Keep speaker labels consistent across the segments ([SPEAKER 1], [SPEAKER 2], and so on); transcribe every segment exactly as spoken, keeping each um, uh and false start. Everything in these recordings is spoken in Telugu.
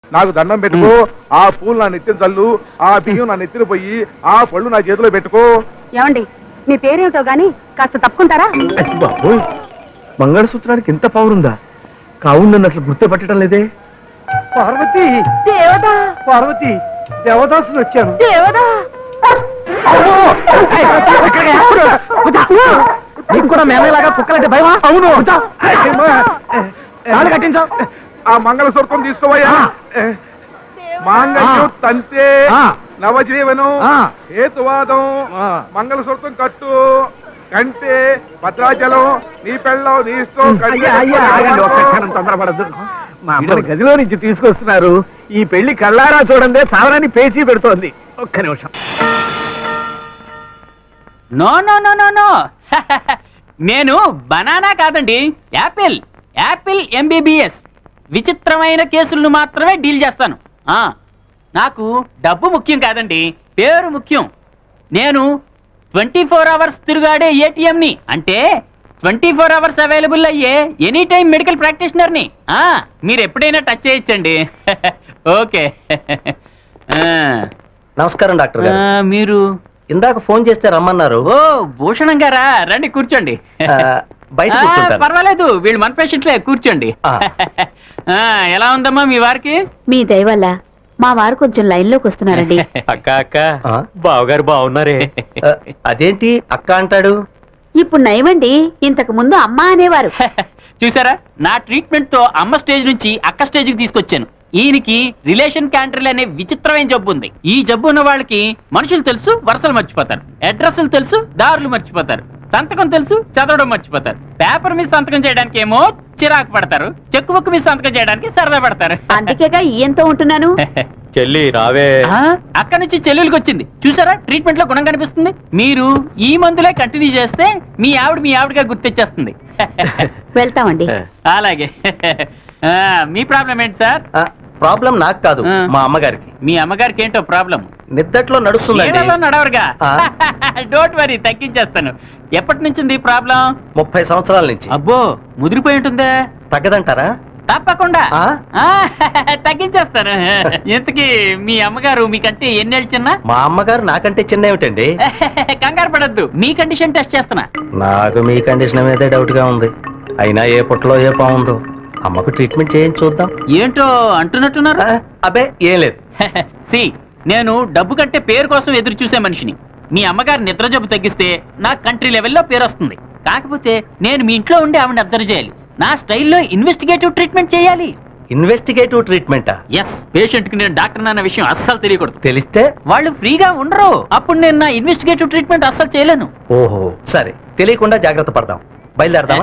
[SPEAKER 1] నాకు దండం పెట్టుకో. ఆ పూలు నా నెత్తిన చల్లు, ఆ బియ్యం నా నెత్తిన పోయి, ఆ పళ్ళు నా చేతిలో పెట్టుకో.
[SPEAKER 2] ఏమండి, మీ పేరేమిటో గాని కాస్త తప్పుకుంటారా?
[SPEAKER 3] బాబు, మంగళసూత్రానికి ఇంత పవర్ ఉందా? కావును నన్ను అసలు గుర్తుపట్టడం లేదే.
[SPEAKER 4] పార్వతి,
[SPEAKER 2] దేవదా,
[SPEAKER 4] పార్వతి, దేవదాసులు వచ్చాను.
[SPEAKER 2] దేవదా.
[SPEAKER 4] నీకు కూడా మేమేలాగా కుక్కలంటే భయమా?
[SPEAKER 1] అవును.
[SPEAKER 4] తాళి కట్టించావు.
[SPEAKER 1] ఆ మంగళసూత్రం తీసుకోవయ్యా. మాంగళ్యం తంతే నవజీవనం హేతువాదం. మంగళసూత్రం కట్టు, కంటే భద్రాచలం, నీ పెళ్ళం నీ ఇష్టం.
[SPEAKER 4] తొందరపడద్దు. మా అమ్మని గదిలో నుంచి తీసుకొస్తున్నారు. ఈ పెళ్లి కళ్ళారా చూడండి, సావరాన్ని పేచీ పెడుతోంది. ఒక్క నిమిషం.
[SPEAKER 5] No no no no no నేను బనానా కాదండి, యాపిల్. Apple MBBS. విచిత్రమైన కేసులను మాత్రమే డీల్ చేస్తాను. ఆ నాకు డబ్బు ముఖ్యం కాదండి, పేరు ముఖ్యం. నేను ట్వంటీ ఫోర్ అవర్స్ తిరుగాడే ఏటీఎంని, అంటే ట్వంటీ ఫోర్ అవర్స్ అవైలబుల్ అయ్యే ఎనీ టైం మెడికల్ ప్రాక్టీషనర్ని. మీరు ఎప్పుడైనా టచ్ చేయొచ్చండి. ఓకే.
[SPEAKER 3] నమస్కారం డాక్టర్ గారు.
[SPEAKER 5] మీరు
[SPEAKER 3] ఇందాక ఫోన్ చేస్తే రమ్మన్నారు.
[SPEAKER 5] ఓ భూషణం గారా, రండి కూర్చోండి.
[SPEAKER 3] బయట
[SPEAKER 5] ఆ,
[SPEAKER 3] కూర్చుంటాను.
[SPEAKER 5] పర్వాలేదు, వీళ్ళు మన పేషెంట్లే, కూర్చోండి.
[SPEAKER 3] ఆ.
[SPEAKER 5] ఆ, ఎలా ఉందమ్మా మీ వారికి?
[SPEAKER 2] మీ దయ వల్ల మా వారు కొంచెం లైన్ లోకి వస్తున్నారండి.
[SPEAKER 3] అక్క అక్క బావగారు బాగున్నారే. అదేంటి అక్క అంటాడు?
[SPEAKER 2] ఇప్పుడు నయమండి, ఇంతకు ముందు అమ్మ అనేవారు.
[SPEAKER 5] చూసారా, నా ట్రీట్మెంట్ తో అమ్మ స్టేజ్ నుంచి అక్క స్టేజ్ కి తీసుకొచ్చాను. ఈయనకి రిలేషన్ క్యాంటర్లు అనే విచిత్రమైన జబ్బు ఉంది. ఈ జబ్బు ఉన్న వాళ్ళకి మనుషులు తెలుసు, వరుసలు మర్చిపోతారు. అడ్రస్లు తెలుసు, దారులు మర్చిపోతారు. సంతకం తెలుసు, చదవడం మర్చిపోతారు. పేపర్ మీద సంతకం చేయడానికి ఏమో చిరాకు పడతారు, చెక్కు బుక్ మీద సంతకం చేయడానికి సరదా పడతారు.
[SPEAKER 2] అందుకేగా ఈయంతో ఉంటున్నాను.
[SPEAKER 3] చెల్లి రావే.
[SPEAKER 5] అక్కడి నుంచి చెల్లెలికి వచ్చింది. చూసారా, ట్రీట్మెంట్ లో గుణం కనిపిస్తుంది. మీరు ఈ మందులే కంటిన్యూ చేస్తే మీ ఆవిడ మీ ఆవిడగా గుర్తొచ్చేస్తుంది.
[SPEAKER 2] వెళ్తామండి.
[SPEAKER 5] అలాగే. ఆ, మీ ప్రాబ్లం ఏంటి సార్?
[SPEAKER 3] ప్రాబ్లం నాకు కాదు, మా అమ్మగారికి.
[SPEAKER 5] మీ అమ్మగారికి ఏంటో ప్రాబ్లం?
[SPEAKER 3] నిద్దట్లో నడుస్తుందండి.
[SPEAKER 5] నడవరుగా. డోంట్ వరీ, తగ్గించేస్తాను. ఎప్పటి నుంచి ఉంది ప్రాబ్లం?
[SPEAKER 3] ముప్పై సంవత్సరాల నుంచి.
[SPEAKER 5] అబ్బో, ముదిరిపోయి ఉంటుందే.
[SPEAKER 3] తగ్గదంటారా?
[SPEAKER 5] తప్పకుండా తగ్గించేస్తాను. ఇంతకీ మీ అమ్మగారు మీకంటే ఎన్నేళ్ళు చిన్న?
[SPEAKER 3] మా అమ్మగారు నాకంటే చిన్న ఏమిటండి?
[SPEAKER 5] కంగారు పడద్దు, మీ కండిషన్ టెస్ట్ చేస్తున్నా.
[SPEAKER 3] నాకు మీ కండిషన్ మీదే డౌట్ గా ఉంది. అయినా ఏ పుట్టలో ఏ బాగుందో. అమ్మకు ట్రీట్మెంట్ చేయించి చూద్దాం.
[SPEAKER 5] ఏంటో అంటున్నట్టున్నారు?
[SPEAKER 3] అబ్బే ఏం లేదు.
[SPEAKER 5] సి, నేను డబ్బు కంటే పేరు కోసం ఎదురు చూసే మనిషిని. మీ అమ్మగారు నిద్ర జబ్బు తగ్గిస్తే నా కంట్రీ లెవెల్లో పేరు వస్తుంది. కాకపోతే నేను మీ ఇంట్లో ఉండి ఆవిడని అబ్జర్వ్ చేయాలి. నా స్టైల్లో ఇన్వెస్టిగేటివ్ ట్రీట్మెంట్ చేయాలి.
[SPEAKER 3] ఇన్వెస్టిగేటివ్ ట్రీట్మెంటా?
[SPEAKER 5] ఎస్. పేషెంట్ కి నేను డాక్టర్ అన్న విషయం అస్సలు తెలియకూడదు.
[SPEAKER 3] తెలిస్తే
[SPEAKER 5] వాళ్ళు ఫ్రీగా ఉండరు. అప్పుడు నేను నా ఇన్వెస్టిగేటివ్ ట్రీట్మెంట్ అస్సలు చేయలేను.
[SPEAKER 3] ఓహో, సరే, తెలియకుండా జాగ్రత్త పడదాం. బయలుదేరదామా?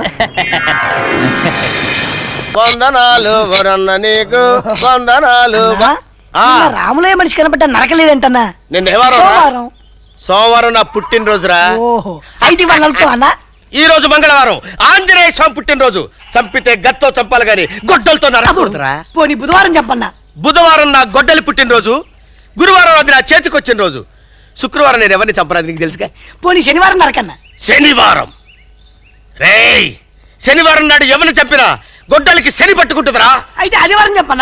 [SPEAKER 6] వందనాలు వరన్న నీకు వందనాలు.
[SPEAKER 7] రాములే మనిషి కనబడ్డా నరకలేదంటన్నా.
[SPEAKER 6] నిన్న సోమవారం సోమవారం నా పుట్టినరోజురా.
[SPEAKER 7] ఓహో, అయితే వాళ్ళతో అన్నా.
[SPEAKER 6] ఈ రోజు మంగళవారం ఆంజనేయ స్వామి పుట్టినరోజు. చంపితే గత్తో చంపాలి గాని గొడ్డలతో నరకూడదురా.
[SPEAKER 7] పోనీ బుధవారం చెప్పన్నా.
[SPEAKER 6] బుధవారం నా గొడ్డలి పుట్టినరోజు. గురువారం అది నా చేతికి వచ్చిన రోజు. శుక్రవారం నేను ఎవరిని చంపరాదు, నీకు తెలుసుగా.
[SPEAKER 7] పోనీ శనివారం నరకన్నా.
[SPEAKER 6] శనివారం రేయ్, శనివారం నాడు ఎవరిని చంపినా గొడ్డలికి శని పట్టుకుంటుందిరా.
[SPEAKER 7] అయితే ఆదివారం చెప్పన్నా.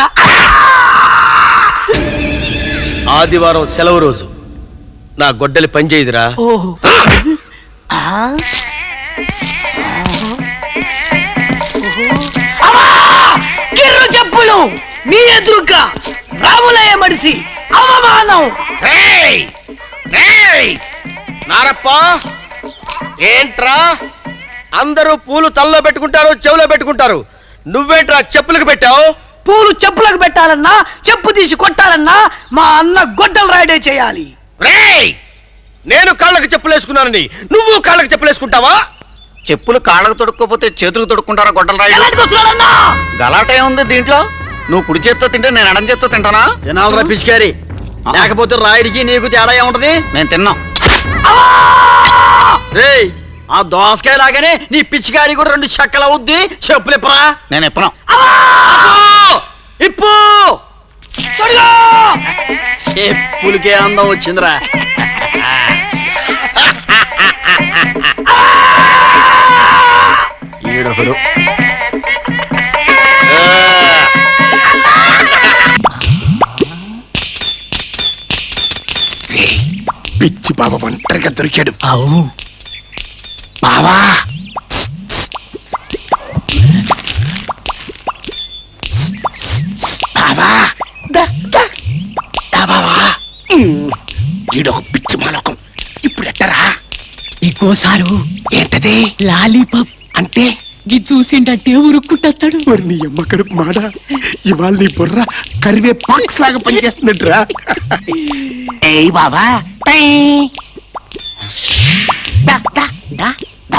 [SPEAKER 6] ఆదివారం సెలవు రోజు. నా గొడ్డలి పనిచేయదురా.
[SPEAKER 7] ఓహో, కిర్రు చెప్పులు మీ ఎదురుగా రాములయ్య మడిసి అవమానం.
[SPEAKER 6] నారప్ప, ఏంట్రా అందరూ పూలు తల్లో పెట్టుకుంటారు, చెవులో పెట్టుకుంటారు. నువ్వేంట్రా చెప్పులకు పెట్టావు?
[SPEAKER 7] పూలు చెప్పులకు పెట్టాలన్నా, చెప్పు తీసి కొట్టాలన్నా మా అన్న గొడ్డలు రాయడే చేయాలి.
[SPEAKER 6] రేయ్, నేను కాళ్ళకి చెప్పులు వేసుకున్నానని నువ్వు కాళ్ళకి చెప్పులు వేసుకుంటావా? చెప్పులు కాళ్ళకు తొడుక్కోపోతే చేతులకు తొడుక్కుంటారా గొడ్డలు రాయి? గలాటే ఉంది దీంట్లో. నువ్వు కుడి చేత్తో తింటే నేను ఎడం చేత్తో తింటానా?
[SPEAKER 8] తినాలరా పిచికారి, లేకపోతే రాయుడికి నీకు తేడా ఏముంటది?
[SPEAKER 6] నేను తిన్నా.
[SPEAKER 8] రేయ్, ఆ దోసకాయ లాగానే నీ పిచ్చికారి కూడా రెండు చెక్కలు అవుద్ది. చెప్పులు ఇప్పరా.
[SPEAKER 6] నేను ఇప్పను.
[SPEAKER 8] ఇప్పు. చెప్పులకే అందం వచ్చిందిరా.
[SPEAKER 6] ఈడొకడు.
[SPEAKER 9] పిచ్చి బాబా ఒంటరిగా దొరికాడు. అవు బావా బావా బావా ఈడొక పిచ్చి మాలోకం. ఇప్పుడు ఎట్టరా?
[SPEAKER 7] ఇంకోసారు
[SPEAKER 9] ఏంటది?
[SPEAKER 7] లాలీపాప్
[SPEAKER 9] అంటే
[SPEAKER 7] గి చూసిండంటే ఉరుక్కుంటాడు.
[SPEAKER 9] మరి నీ అమ్మ కడుపు మాడ ఇవాళ నీ బుర్ర కరివే పాక్స్ లాగా పనిచేస్తున్నట్రా. ఏయ్ బావా పై. దా, దా, దా, దా.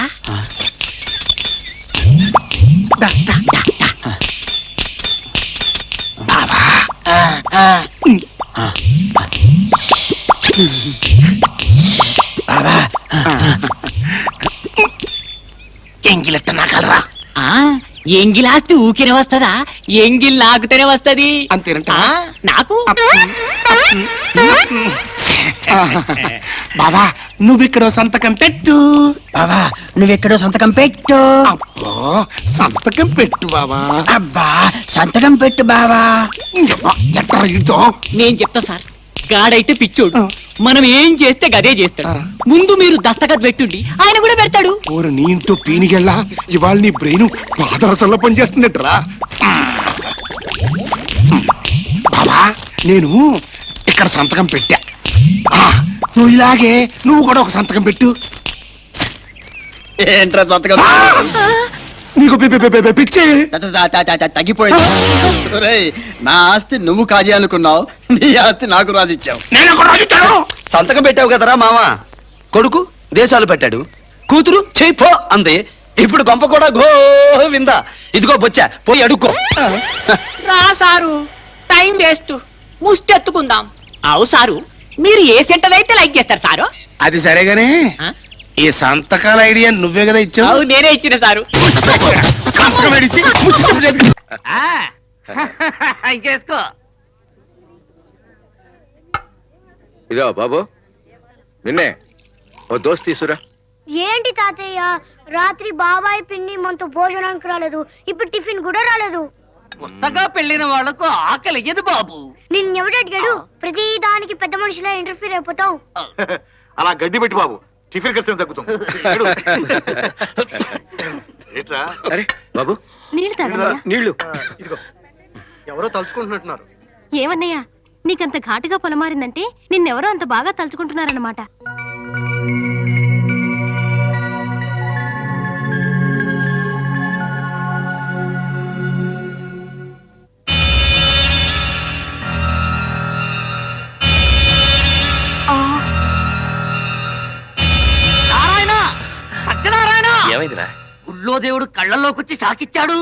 [SPEAKER 9] దా, దా, దా, దా. బావా బావా ఎంగిలెట్ట నాకల్రా.
[SPEAKER 7] ఎంగిలాస్తి ఊకినే వస్తదా? ఎంగిల్ నాకుతేనే వస్తది.
[SPEAKER 9] అంతేనంట
[SPEAKER 7] నాకు
[SPEAKER 9] బావా నువ్విక్కడో సంతకం పెట్టు.
[SPEAKER 7] బావా నువ్వెక్కడో సంతకం పెట్టు.
[SPEAKER 9] అబ్బో సంతకం పెట్టు బావా.
[SPEAKER 7] అబ్బా సంతకం పెట్టు బావా.
[SPEAKER 9] ఎట్లా ఇదో
[SPEAKER 7] నేను చెప్తా సార్. గాడైతే పిచ్చోడు, మనం ఏం చేస్తే గదే చేస్తాడు.
[SPEAKER 9] ఆ.
[SPEAKER 7] ముందు మీరు దస్తఖత్ పెట్టుండి ఆయన కూడా పెడతాడు.
[SPEAKER 9] ఓరు నీ ఇంటూ పీనిగెళ్ళా ఇవాళ నీ బ్రెయిన్ పాదరసంలో పనిచేస్తున్నట్టురా. బావా నేను ఇక్కడ సంతకం పెట్టా. ఆ, నువ్వు ఇలాగే నువ్వు కూడా ఒక సంతకం పెట్టు.
[SPEAKER 8] ఏంట్రా సంతకం?
[SPEAKER 9] నీకు పి- పి- పి- పి- పిచ్చి.
[SPEAKER 8] తగ్గిపోయింది. ఒరేయ్, నా ఆస్తి నువ్వు కాజేయాలనుకున్నావు, నీ ఆస్తి నాకు రాసిచ్చావు.
[SPEAKER 9] నేను ఒక రోజు ఇచ్చాను.
[SPEAKER 8] సంతకం పెట్టావు కదరా మామ. కొడుకు దేశాలు పెట్టాడు, కూతురు చేయిపో అంది. ఇప్పుడు గొంప కూడా గోవిందా. ఇదిగో బొచ్చా పోయి అడుక్కో.
[SPEAKER 7] రా సారు, టైం వేస్ట్, ముష్టెత్తుకుందాం. అవు సారు, మీరు ఏ సెంటర్ అయితే లైక్ చేస్తారు సారు.
[SPEAKER 9] అది సరేగానే ఈ సంతకాల ఐడియా నువ్వే కదా ఇచ్చావు.
[SPEAKER 7] అవు నేనే ఇచ్చిన సారు.
[SPEAKER 9] సంతకం ఏడిచ్చి ముచ్చి చెప్పు చేతికి.
[SPEAKER 4] ఇంకేసుకో.
[SPEAKER 1] ఇదో బాబు నిన్నే ఓ దోస్త్ తీసురా.
[SPEAKER 10] ఏంటి తాతయ్య, రాత్రి బాబాయ్ పిన్ని మనతో భోజనానికి రాలేదు, ఇప్పుడు టిఫిన్ కూడా రాలేదు.
[SPEAKER 4] కొత్తగా పెళ్లిన వాళ్లకు ఆకలి ఎదు బాబు.
[SPEAKER 10] నిన్నెవడు అడిగాడు? ప్రతి దానికి పెద్ద మనిషిలా ఇంటర్ఫీర్ అయిపోతావు.
[SPEAKER 1] అలా గడ్డి పెట్టి బాబు, టిఫిన్ ఖర్చు తగ్గుతుంది. ఏంట్రా?
[SPEAKER 6] అరే బాబు
[SPEAKER 2] నీళ్ళు తాగన్నయ్య.
[SPEAKER 6] నీళ్లు.
[SPEAKER 1] ఇదిగో ఎవరో తలుచుకుంటున్నట్టున్నారు.
[SPEAKER 2] ఏమన్నయ్యా, నీకంత ఘాటుగా పొలమారిందంటే నిన్నెవరో అంత బాగా తలుచుకుంటున్నారన్నమాట.
[SPEAKER 4] నారాయణ, సత్యనారాయణ,
[SPEAKER 3] ఏమైందిరా?
[SPEAKER 4] గుళ్ళో దేవుడు కళ్ళల్లోకొచ్చి సాకిచ్చాడు.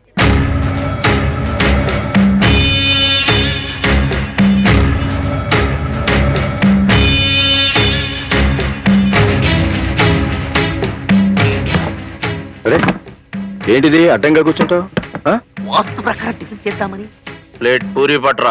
[SPEAKER 1] అరే ఏంటిది అడ్డంగా కూర్చుంటావు?
[SPEAKER 4] వాస్తు ప్రకారం టిఫిన్ చేద్దామని.
[SPEAKER 6] ప్లేట్ పూరి పట్రా.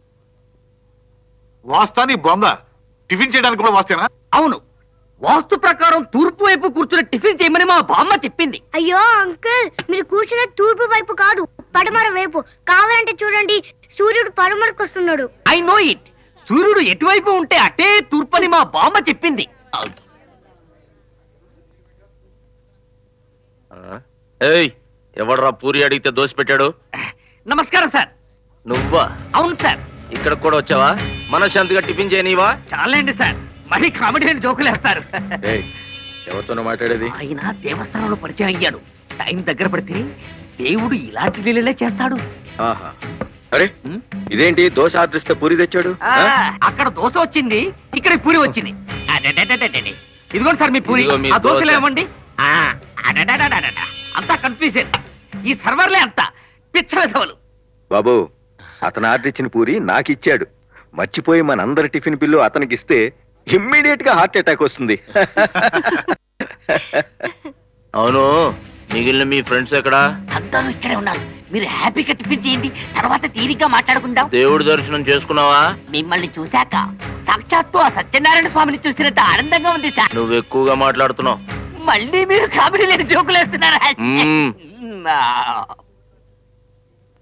[SPEAKER 1] వాస్తాని బొంద టిఫిన్ చేయడానికి కూడా వాస్తేనా?
[SPEAKER 4] అవును, వాస్తు ప్రకారం తూర్పు వైపు కూర్చుని టిఫిన్ చేయమని మా బామ్మ చెప్పింది.
[SPEAKER 10] అయ్యో అంకుల్, మీరు కూర్చున్న తూర్పు వైపు కాదు, పడమర వైపు. కావాలంటే చూడండి, సూర్యుడు పడమరకు వస్తున్నాడు.
[SPEAKER 4] I know it. సూర్యుడు ఎటువైపు ఉంటే అటే తూర్పని మా బామ్మ చెప్పింది.
[SPEAKER 6] ఏయ్ ఎవడ్రా పూరి అడిగితే దోశ పెట్టాడు?
[SPEAKER 4] నమస్కారం సార్.
[SPEAKER 6] నువ్వా?
[SPEAKER 4] అవును సార్.
[SPEAKER 6] ఇక్కడ కూడా వచ్చావా? మనశ్శాంతిగా టిఫిన్ చేయనివా?
[SPEAKER 4] చాలండి సార్, మరీ కామెడీ అని జోకులు వేస్తారు.
[SPEAKER 1] ఎవరితోనో మాట్లాడేది?
[SPEAKER 4] ఆయన దేవస్థానంలో పరిచయం అయ్యాడు. టైం దగ్గర పడితే దేవుడు ఇలాంటి లీలలే చేస్తాడు.
[SPEAKER 1] ఆహా. అరే ఇదేంటి దోశ ఆర్డర్ ఇస్తే పూరి తెచ్చాడు?
[SPEAKER 4] ఆ, అక్కడ దోశ వచ్చింది, ఇక్కడ పూరి వచ్చింది. అడడడడడడడి. ఇదిగోండి సార్ మీ పూరి.
[SPEAKER 6] ఇదిగో మీ
[SPEAKER 4] ఆ దోశలు
[SPEAKER 6] దోశ.
[SPEAKER 4] ఏమండి? ఆ, అడడడడడడ. అంతా కన్ఫ్యూజన్. ఈ సర్వర్లే అంతా పిచ్చ వెధవలు.
[SPEAKER 1] బాబు అతను ఆర్డర్ ఇచ్చిన పూరి నాకు ఇచ్చాడు. మర్చిపోయి మనందరి టిఫిన్ బిల్లు అతనికి ఇస్తే ఇమ్మీడియట్ గా హార్ట్ అటాక్ వస్తుంది.
[SPEAKER 6] అవును, మిగిలిన మీ ఫ్రెండ్స్ ఎక్కడా?
[SPEAKER 4] అందరూ ఇక్కడే ఉన్నారు. మీరు హ్యాపీగా టిఫిన్ చేయండి, తర్వాత తీరిగ్గా మాట్లాడుకుందాం.
[SPEAKER 6] దేవుడి దర్శనం చేసుకున్నావా?
[SPEAKER 4] మిమ్మల్ని చూశాక సాక్షాత్తు ఆ సత్యనారాయణ స్వామిని చూసినంత ఆనందంగా ఉంది సార్.
[SPEAKER 6] నువ్వు ఎక్కువగా మాట్లాడుతున్నావు.
[SPEAKER 4] మళ్ళీ మీరు కామెడీ లేని జోకులు వేస్తున్నారా?
[SPEAKER 6] మ్మ్.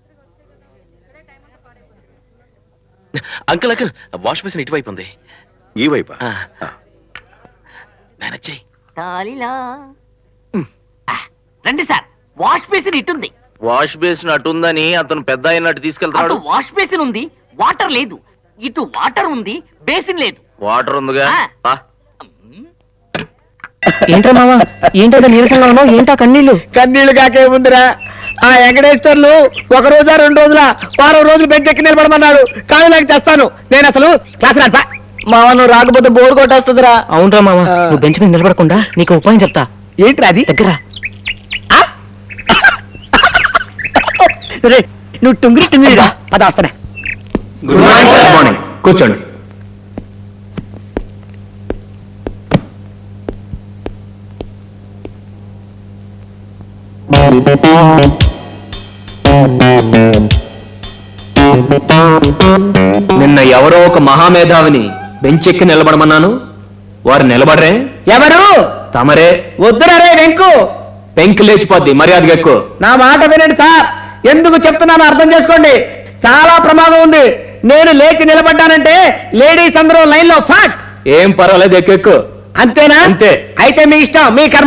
[SPEAKER 3] అంకుల్ అంకుల్ వాష్ బేసిన్ ఇటువైపు ఉంది.
[SPEAKER 1] ఈ వైపా
[SPEAKER 8] మేనేజ్
[SPEAKER 7] తాలిలా. ఆ, రండి సార్, వాష్ బేసిన్ ఇటుంది.
[SPEAKER 6] వాష్ బేసిన్ అటుందని అతను పెద్ద అయినట్టు
[SPEAKER 7] అటు
[SPEAKER 6] తీసుకెళ్తాడు.
[SPEAKER 7] వాష్ బేసిన్ ఉంది, వాటర్ లేదు. ఇటు వాటర్ ఉంది, బేసిన్ లేదు.
[SPEAKER 6] వాటర్ ఉందిగా.
[SPEAKER 7] ఆ.
[SPEAKER 6] పా.
[SPEAKER 3] ఏంట్రా మావా ఏంటో నీరసంగా ఉన్నావు ఏంటా కన్నీళ్ళు?
[SPEAKER 4] కన్నీళ్లు కాకేముందిరా, ఆ వెంకటేశ్వర్లు ఒక రోజా రెండు రోజుల వారం రోజులు బెంచ్ ఎక్కి నిలబడమన్నాడు. కానీ నాకు చేస్తాను, నేను అసలు క్లాస్ రాను.
[SPEAKER 3] మావా నువ్వు రాకపోతే బోర్ కొట్టేస్తుందిరా. అవునరా మావా, నువ్వు బెంచ్ మీద నిలబడకుండా నీకు ఉపాయం చెప్తా.
[SPEAKER 4] ఏంట్రా అది?
[SPEAKER 3] దగ్గర
[SPEAKER 4] రే, నువ్వు టుంగిరి టుంగిరిరా, పద వస్తానే.
[SPEAKER 3] Good morning. కూర్చోండి. నిన్న ఎవరో ఒక మహామేధావిని బెంచెక్కి నిలబడమన్నాను, వారు నిలబడరే.
[SPEAKER 4] ఎవరు?
[SPEAKER 3] తమరే.
[SPEAKER 4] వద్దురా రే వెంకు,
[SPEAKER 3] పెంకి లేచిపోద్ది, మర్యాదగా ఎక్కువ.
[SPEAKER 4] నా మాట వినండి సార్, ఎందుకు చెప్తున్నానో అర్థం చేసుకోండి. చాలా ప్రమాదం ఉంది. నేను లేచి నిలబడ్డానంటే లేడీస్ అందరూ లైన్ లో ఫాట్.
[SPEAKER 3] ఏం పర్వాలేదు, ఎక్కువ ఎక్కువ.
[SPEAKER 4] అంతేనా?
[SPEAKER 3] అంతే.
[SPEAKER 4] అయితే మీ ఇష్టం, మీ కర్మ.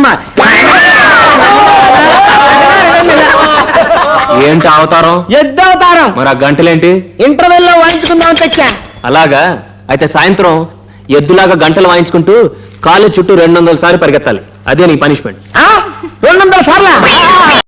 [SPEAKER 3] ఏంటి అవతారం?
[SPEAKER 4] ఎద్దవతారం.
[SPEAKER 3] మరి ఆ గంటలేంటి?
[SPEAKER 4] ఇంటర్వెల్ లో వాయించుకుందాం తెచ్చా.
[SPEAKER 3] అలాగా, అయితే సాయంత్రం ఎద్దులాగా గంటలు వాయించుకుంటూ కాలు చుట్టూ రెండు వందల సార్లు పరిగెత్తాలి. అదే నీ పనిష్మెంట్.
[SPEAKER 4] రెండు వందల సార్లా?